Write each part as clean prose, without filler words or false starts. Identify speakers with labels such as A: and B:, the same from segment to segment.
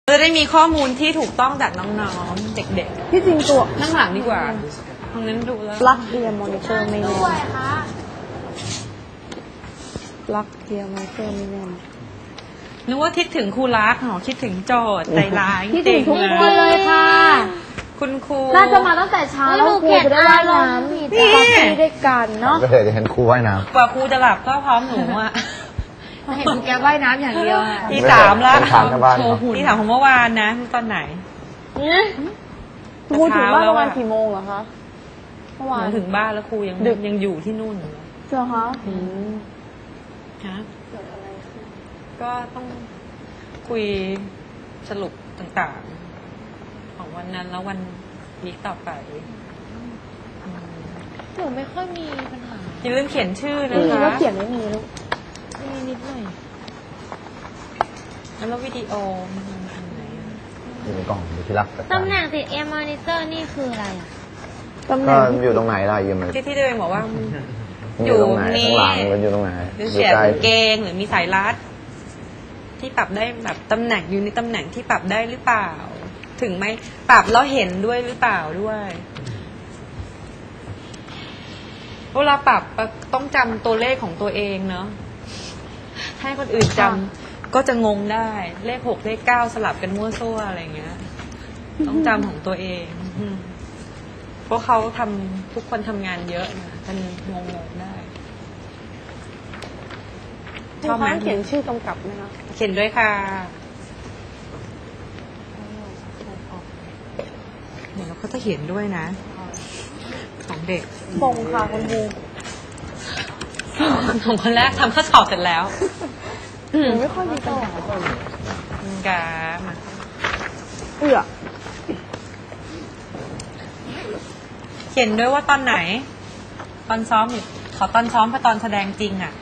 A: จะได้มีข้อมูลที่ถูกต้องจากน้องๆเด็กๆ
B: ที่จริงตัว
A: นั่งหลังดีกว่าตรงนั้นดูแล้ว
B: ปลั๊กเทียมมอนิเตอร์ไม่แน่นปลั๊กเทียมมอนิเตอร์ไม่แน่น
A: นึกว่าคิดถึงครูรักคิดถึงโจทย์ใจร้าย
B: คิดถึงทุกคนเลยค่ะ
A: คุณครู
B: น่าจะมาตั้งแต่เช้าแล้วครูจะได้ว่ายน้ำปาร์ตี้ด้วยกันเนาะ
C: ก็เลยจะเห็นครูว่ายน้ำ
A: กว่าครูจะหลับก็พร้อมหนูอ่ะ
B: เห็นแกว่ายน้ำอย่างเดียว
A: ที่3แล้ว
C: ที่
A: 3ของเมื่อวานนะตอนไหน
B: ครูถึงบ้านประมาณกี่โมงเหรอคะเมื่อวาน
A: ถึงบ้านแล้วครูยังอยู่ที่นู่น
B: เจ้าคะ
A: ฮะก็ต้องคุยสรุปต่างๆของวันนั้นแล้ววันนี้ต่อไป
B: หนูไม่ค่อยมีปัญหา
A: อย่าลืมเขียนชื่อนะคะ
B: แล้วเขียนไม่มีลูก
A: มีนิดหน่อยแล้ววิดีโอมันอันไหน
C: อยู่ในกล่องอยู่ที่รัก
D: ตำแหน่งติดเอ็มมอนิเตอร์นี่คืออะไรอ่ะ
C: ก็อยู่ตรงไหนล่ะอยู่มัน
A: ที่ตัวเองบอกว่า
C: อยู่ตรงไหนข้างหลังมันอยู่ตรงไหน
A: หรือเสียบเกงหรือมีสายรัดที่ปรับได้แบบตำแหน่งอยู่ในตำแหน่งที่ปรับได้หรือเปล่าถึงไหมปรับแล้วเห็นด้วยหรือเปล่าด้วยเวลาปรับต้องจำตัวเลขของตัวเองเนาะให้คนอื่นจำก็จะงงได้เลข6เลข9สลับกันมั่วซั่วอะไรเงี้ยต้องจำของตัวเองเพราะเขาทำทุกคนทำงานเยอะนะมันงงได้
B: ชอบไหมเขียนชื่อกำกับไหมคะ
A: เขียนด้วยค่ะเดี๋ยวเราก็จะเขียนด้วยนะของเด็ก
B: ส่งค่ะคุณครู
A: ของคนแรกทำข้อสอบเสร็จแล้ว
B: ไม่ค่อยมีปัญหาเลย
A: กามาเขียนด้วยว่าตอนไหนตอนซ้อมอยู่ขอตอนซ้อมกับตอนแสดงจริงอ่ะ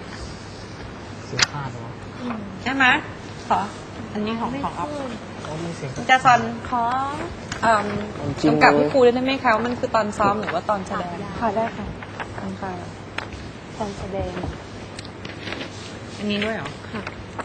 A: ใช่ไหมขออันนี้ของออฟจะซอนขอกำกับให้ครูได้ไหมคะมันคือตอนซ้อมหรือว่าตอนแสดง
B: ค่ะได้ค่ะตอนแสดง
A: อันนี้ด้วยเหรอค่ะ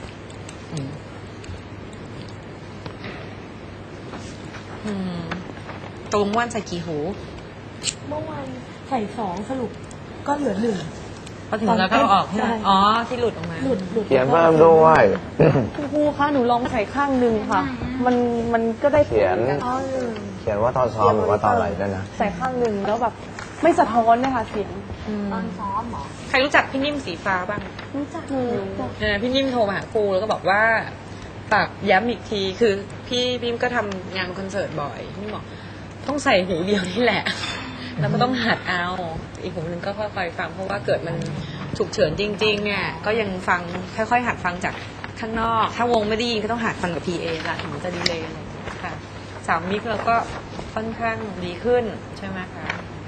A: ตรงวันใส่กี่หู
B: เมื่อวานใส่2สรุปก็เหลือ1
A: พอถึงแล้วก็ออกใช่ไหมอ๋อที่หลุดออกมา
C: เขียนเพิ่มด้วย
B: คุณครูคะหนูลองใส่ข้างนึงค่ะมันก็ได้
C: เขียนว่าตอนซ้อมหรือว่าตอนอะไรด้วยนะ
B: ใส่ข้างนึงแล้วแบบไม่สะท้อนนะคะเสียง
D: ตอนซ้อมหรอ
A: ใครรู้จักพี่นิ่มสีฟ้าบ้าง
B: รู้จัก
A: พี่นิ่มโทรมาหาครูแล้วก็บอกว่าปรับย้ำอีกทีคือพี่นิ่มก็ทำงานคอนเสิร์ตบ่อยพี่บอกต้องใส่หูเดียวนี่แหละแล้วก็ต้องหัดเอาอีกหูนึงก็ค่อยๆฟังเพราะว่าเกิดมันฉุกเฉินจริงๆเนี่ยก็ยังฟังค่อยๆหัดฟังจากข้างนอกถ้าวงไม่ได้ยินก็ต้องหัดฟังกับ PA ละถึงจะดีเลยอะไรค่ะ3 มิกเราก็ค่อนข้างดีขึ้นใช่ไหมคะ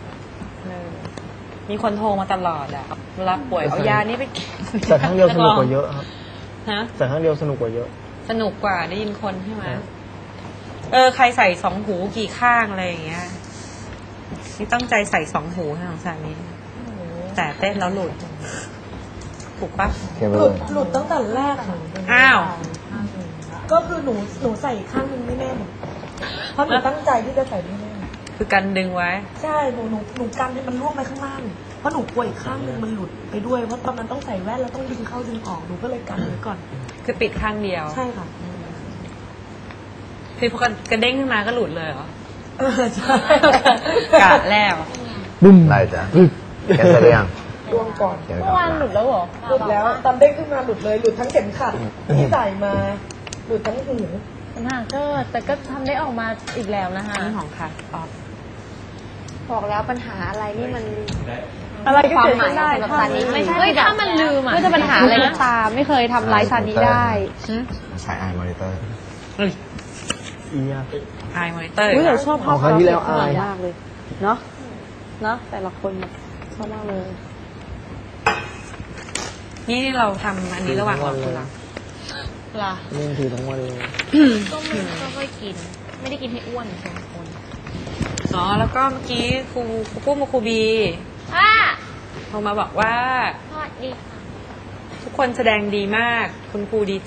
A: มีคนโทรมาตลอดอะเวลาป่วยเอายานี้ไป
C: แต่ครั้งเดียวสนุกกว่าเยอะครับ
A: ฮะ
C: แต่ครั้งเดียวสนุกกว่าเยอะ
A: สนุกกว่าได้ยินคนใช่ไหมใครใส่2 หูกี่ข้างอะไรอย่างเงี้ยนี่ตั้งใจใส่2 หูให้ของสามีแต่เต้นแล้วหลุดถูกปะ
E: หลุดตั้งแต่แรก
A: อ้าว
E: ก็คือหนูใส่ข้างนึงไม่แน่นเพราะหนูตั้งใจที่จะใส่ไม่แน่น
A: คือกันดึงไว้
E: ใช่หนูกันให้มันร่วงไปข้างล่างเพราะหนูกลัวอีกข้างนึงมันหลุดไปด้วยเพราะตอนนั้นต้องใส่แว่นแล้วต้องดึงเข้าดึงออกหนูก็เลยกันไว้ก่อน
A: คือปิดข้างเดียว
E: ใช่ค่ะ
A: คือพอกระเด้งขึ้นมาก็หลุดเลยเหรอใช่กะแล้ว
C: บึ้มไรจ้ะแค่เสร็จยัง
E: ร่วงก่อน
B: เมื่อวานหลุดแล้วเหรอ
E: หลุดแล้วตอนเด้งขึ้นมาหลุดเลยหลุดทั้งเข็มขัดที่ใส่มาหลุดทั้งหู
B: ปัญหาก็แต่ก็ทำได้ออกมาอีกแล้วนะคะ
A: นี่ของค่ะ
B: บอกแล้วปัญหาอะไรนี่มันอะไรก็เกิดขึ้นได้
D: สำหรับซานิไม่ใช่ถ้ามันลืมอ่ะ
B: ไม่จะปัญหาอะไรก็ตามไม่เคยทำร้ายซานิได้
C: ใช้ไอมอนิเตอร์
A: ไอมอนิเตอร์
B: เราชอบภาพเขาที่แล้วอายมากเลยเนาะแต่ละคนชอบมากเลย
A: นี่เราทำอันนี้ระหว่างรอคุณ
B: ล่ะ
C: นี่คือทั้งวันเลย
D: ก็ไม่ค่อยกินไม่ได้กินให้อ้วนเหมือนคน
A: แล้วก็เมื่อกี้ครูปุ้มกับครูบีโทรมาบอกว่า
D: สวัสดีค่ะ
A: ทุกคนแสดงดีมาก คุณครูดีใจ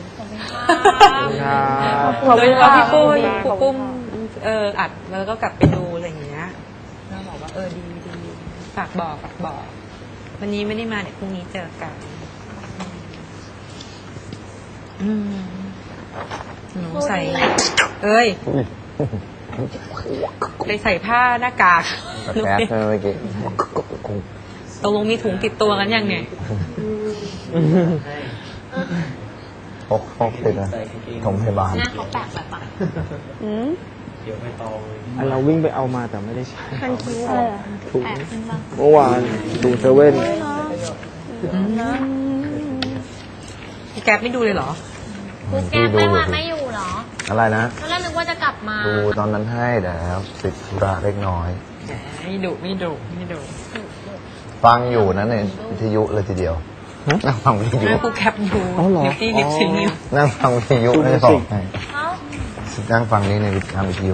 A: โดยเฉพาะพี่ปุ้ยครูปุ้มอัดแล้วก็กลับไปดูอะไรอย่างเงี้ยแล้วบอกว่าดีฝากบอกวันนี้ไม่ได้มาเดี๋ยวพรุ่งนี้เจอกันหนูใส่ไปใส่ผ้าหน้ากาก
C: แก๊สเมื่อกี้
A: ตกลงมีถุงติดตัวกันยังเนี่ย
C: พกติดนะผมพยาบาล
D: หน้าเขาแปลกแบบ
F: เราวิ่งไปเอามาแต่ไม่ได้ใช้
B: มันคิ้วอะไรอ่ะ
F: ถุงเมื่อวานดูเซเว่น
A: พี่แก๊ปไม่ดูเลยเหรอ
D: ครูแก้มไม่มาไม่อยู่เหรอ
C: อะไรนะ
D: ตอนแรกนึกว่าจะกลับมา
C: ดูตอนนั้นให้แต่แล้วติดธุระเล็กน้อย
A: ไม่ดุ
C: ฟังอยู่นะในวิทยุเลยทีเดียวนั่งฟังวิทยุ
A: แม่ครูแคปอยู่นิฟตี้ดิฟซินิว
C: นั่งฟังวิทยุไม่ได้บอกให้
D: เอ้า
C: นั่งฟังนี้ในทางวิทยุ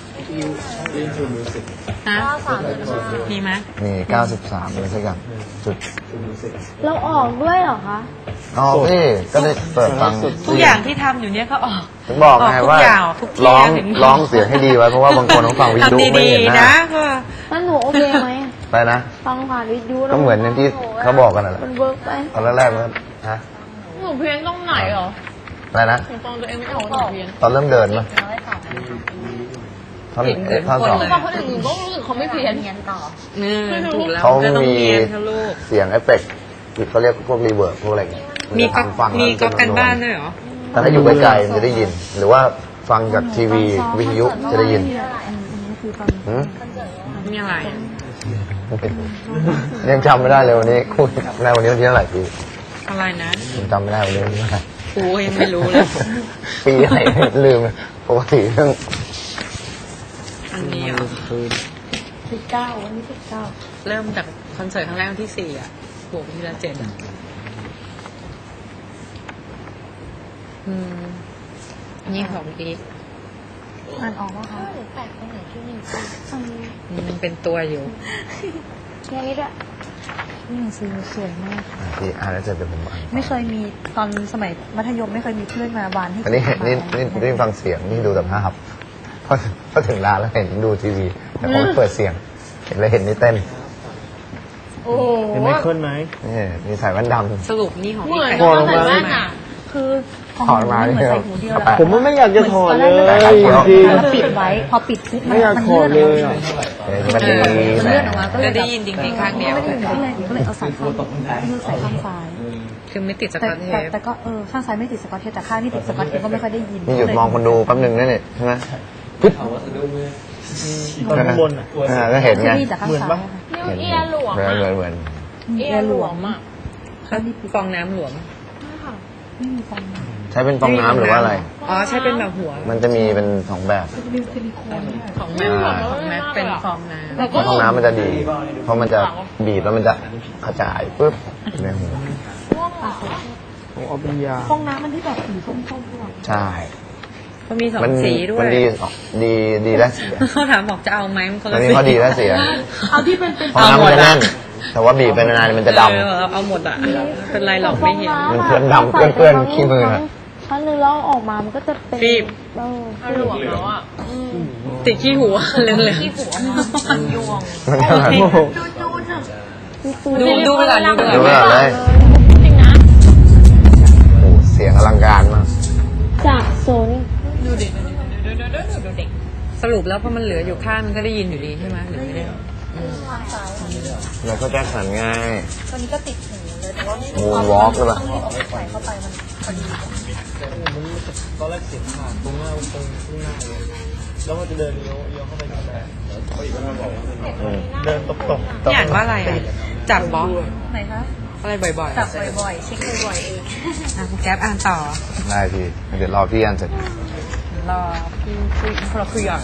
A: ฮะ
D: 935
A: มีไหม
C: มี93อะไรสักอย่างจุด
B: เราออกด้วยเหรอคะ
C: อ๋อพี่ก็ได้เปิดฟัง
A: ทุกอย่างที่ทำอยู่เนี่ยก็ออก
C: ถึงบอกไงว่า
A: ทุกที่
C: ร้องเสียงให้ดีไว้เพราะว่าบางคนต้องฟังวิทยุ
A: ทำ
C: ไม่
A: ดี
C: เห็นห
A: ๆ
C: น้า
A: นะก็
B: นั่นหนูโอเคไหม
C: ไปนะ
B: ฟังผ่านวิทยุ
C: ก็เหมือนอย่างที่เขาบอกกันนั่นแหละ
B: มันเวิร์กไป
C: ตอนแรกๆมันฮะ
D: หนูเพี้ยนตรงไหนเหรอ
C: อะไรนะ
D: หนูฟังตัวเองไม่ออกว่าหนูเพี้ยน
C: ตอนเริ่มเดินมั้ยท่อนท่อนสอง
D: ฟังคนอื่นหนูก็รู้สึกเขาไม่เพี้ยนเพี้ยนต่อ
A: ถูกแล้ว
C: เขา
A: ก็ต้อง
C: มี
A: เรียนค่ะลูก
C: เสียงเอฟเฟกต์เขาเรียกพวกรีเวิร์บพวกอะไรอย่างเงี้ย
A: มีก็
C: ฟัง
A: มีก็
C: แล้ว
A: กันบ้านด้วยเหรอ
C: แต่ถ้าอยู่ไกลๆมันจะได้ยิน หรือว่าฟังจากทีวีวิทยุจะได้ยินหืม
A: มีอะไร
C: ยังจำไม่ได้เลยวันนี้คุณในวันนี้วันที่เท่าไหร่พี่
A: อะไรนะ
C: ผมจำไม่ได้วันนี้วันที่เท่าไหร่
A: ครูยังไม่รู้เลย
C: ปีอะไรลืมปกติเรื่อง
A: อันนี้เหรอ
B: 19วันนี้19
A: เริ่มจากคอนเสิร์ตครั้งแรกวันที่4บวกทีละ7นี่ของอีก
B: อ่านออกป่ะคะ
D: หนูแปลกตรงไหนที่นี่
A: มันเป็นตัวอยู่
B: แค่นี้ด้วยนี่หนังสือสวยมาก
C: พี่อ่านแล้วเสร็จเดี๋ยวผมอ่าน
B: ไม่เคยมีตอนสมัยมัธยมไม่เคยมีเพื่อนมาบานให้
C: อันนี้นี่ฟังเสียงนี่ดูแต่ภาพพอถึงร้านแล้วเห็นดูทีวี แต่พอเปิดเสียงเห็นเลยเห็นนี่เต้น
D: โอ้โห
F: เห็นไมเคิลไหม
C: นี่มีใส่แว่นดำ
A: สรุปนี่ของ
D: เหมือน
A: ใคร
D: ตอนใส่แว่นอ่ะ
B: คือของ
C: ถอดมา
B: เหมือน
C: เนี่ย
B: ใส่หูเดียวแล้ว
F: ผมไม่อยากจะถอดเลย
C: จริง
B: เราปิดไว้พอปิดปุ๊บ
F: ไม่อยากถอดเลยอ่ะ
C: มันดี
B: มัน
C: แหม
B: เลื่อนออกมาก็เล
A: จะ
B: ย
A: ได้ยินจริงๆข้างเดียว
B: ไม่ได้ยินก็เลยเอาสายข้างใส่ข้างซ้าย
A: คือไม่ติดส
B: แต่
A: กอตเทป
B: แต่ก็ข้างซ้ายไม่ติดสกอตเทปแต่ข้างนี่ติดสกอตเทปก็ไม่ค่อยได้ยิน
C: นี่หยุดมองคนดูแป๊บหนึงนั่นนี่ใช่ไหมปึ๊บ
F: ตอนข้างบนอ่ะ
C: ก็เห็นไง
B: ที่จากข้างซ้าย
D: นิ้วเอียหลวม
C: เหมือน
D: อ่ะ
C: เหมือน
D: เอียหลวมอ่ะ
A: ฟองน้ำหลวม
B: ไม่มีฟอง
C: ใช้เป็นฟองน้ำหรือว่าอะไร
A: อ๋อใช่เป็นแบบหัว
C: มันจะมีเป็นสองแบบ
A: ของแม่ของแม่เป็นฟองน้ำ
C: ฟองน้ำมันจะดี เพราะมันจะบีบแล้วมันจะกระจายปึ๊บในหู
F: ผมเอาเป็นยา
B: ฟองน้ำมันที่แบบสีส้มๆด้วย
C: ใช่
A: ก็มีสอง
C: มัน
A: สีด้วย
C: มันดีและเสีย
A: เขาถามบอกจะเอาไหมมันคน
C: อั
A: ละ
C: น
A: สี
C: นี้ข้อดีและเสีย
B: เอาที่เป็น
C: ฟองน้ำมันจะแน่น แต่ว่าบีบไปนานๆมันจะดำ
A: เอาหมดอ่ะเป็นไรหรอกไม่เห็น
C: มันเพื่อนดำเปื้อนขี้มืออะ
B: ครั้งนึงแล้วออกมามันก็จะเป็น
A: ฟีบ
D: หลวมแล้วอ่ะ
A: ติดขี้หัวเหลือง
D: ที่หัวมันยวง
C: มันก็แบบ
A: ๆดูเวลาดู
C: ดู
A: เว
C: แบ
A: ลา
C: บเลย
D: จริงนะ
C: โอ้เสียงอลังการมาก
B: จากโซน
D: ดูเด็กดูเด็ก
A: สรุปแล้วพอมันเหลืออยู่ข้างมันก็ได้ยินอยู่ดีใช่ไหมหรือไม่ได้
C: แล้วก็แจ็คสันง่าย
B: ตอนนี้ก็ติดหูเลยแต่ว่าไม่
C: มูนวอล์กหรือเปล่า
B: ใส่เข้าไปมันพอดี
F: ตอนแรกเสียงผ่านตรงหน้าตรงข้างหน้าเลยแล้วมันจะเดินเลี้ยวเข้าไปทางไหนเดินตบ
A: พี่อ่านว่าอะไรอ่ะจับบล็อก
B: ไหนคะ
A: อะไรบ่อยๆ
B: จับบ่อยๆเช็คบ่อยๆเอง
A: แก๊ปอ่านต่อ
C: ได้พี่ เดี๋ยวรอพี่อันเสร็จ
A: รอพี่เราคุยหย่อน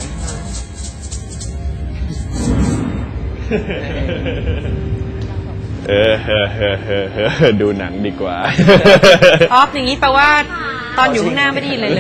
F: ดูหนังดีกว่า
A: ออฟอย่างนี้แปลว่าตอนอยู่ข้างหน้าไม่ได้ยินอะไรเลย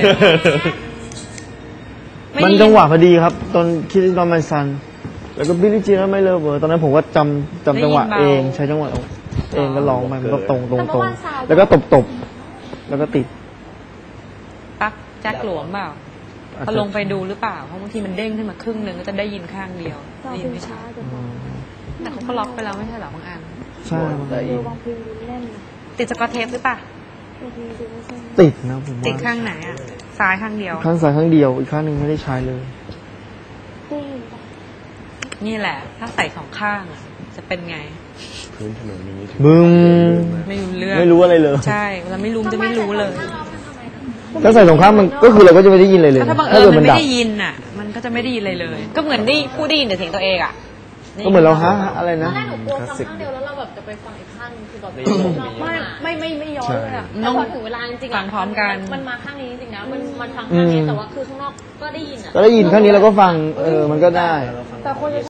F: มันจังหวะพอดีครับ ตอนคิดตอนมันซัน แล้วก็บิลลี่จีนแล้วไม่เลิฟเวอร์ตอนนั้นผมก็จำจังหวะเองใช้จังหวะเองก็ร้องไปมันก็ตรง
D: แต่เมื่อวานซาว
F: แล้วก็ตบแล้วก็ติด
A: ปักแจ็คหลวมเปล่าพอลงไปดูหรือเปล่าเพราะบางทีมันเด้งขึ้นมาครึ่งหนึ่งก็จะได้ยินข้างเดียว
B: เรา
A: ได้ยิ
B: เป็น น
A: ไม่
B: ช้า
A: ชัด
B: จะบอก
A: แต่เขาก็ล็อกไปแล้วไม่ใช่เหรอบางอัน
F: ใช่มันก็
B: ดูบางเพลงดูแน่นนะ
A: ติดสกอตเทปหรือเปล่า
B: บางทีดูไม่ใช่
F: ติดนะผมว่า
A: ติดข้างไหนอ่ะซ้ายข้างเดียว
F: ข้างซ้ายข้างเดียวอีกข้างหนึงไม่ได้ใช้เลย
B: ได้ยินปะ
A: นี่แหละ ถ้าใส่สองข้างอ่ะจะเป็นไง
F: บึ้ม
A: ไม่รู้เรื่อง
F: ไม่รู้อะไรเลย
A: ใช่เวลาไม่รู้มันจะไม่รู้เลย
F: ถ้าใส่สองข้างมันก็คือเราก็จะไม่ได้ยินอะไรเลย
A: ถ้าบัง
F: ถ้า
A: เอิญ
F: เกิด
A: มั
F: มัน น
A: ไม่
F: ดับ
A: ได้ยินอ่ะ มันก็จะไม่ได้ยินอะไรเลย ก็เหมือนได้ผู้ได้ยินแต่เสียงตัวเองอ่ะ
F: ก็เหมือนเราฮะอะไร
D: ตอ
F: นะ
D: นแรกหนูกลัวฟังข้างเดียวแล้วเราแบบจะไปฟังอีกข้างนึงคือแบบไม่ย้อนเลยอะแต่พอถึงเวลาจริงๆ
A: ฟังพร้อมกัน
D: มันมาข้างนี้จริงๆนะมันฟังข้างนี้แต่ว่าคือข้างนอกก็ได้ยินอะ
F: ก็ได้ยินข้างนี้เราก็ฟังมันก็ได้
B: แต่คนจะ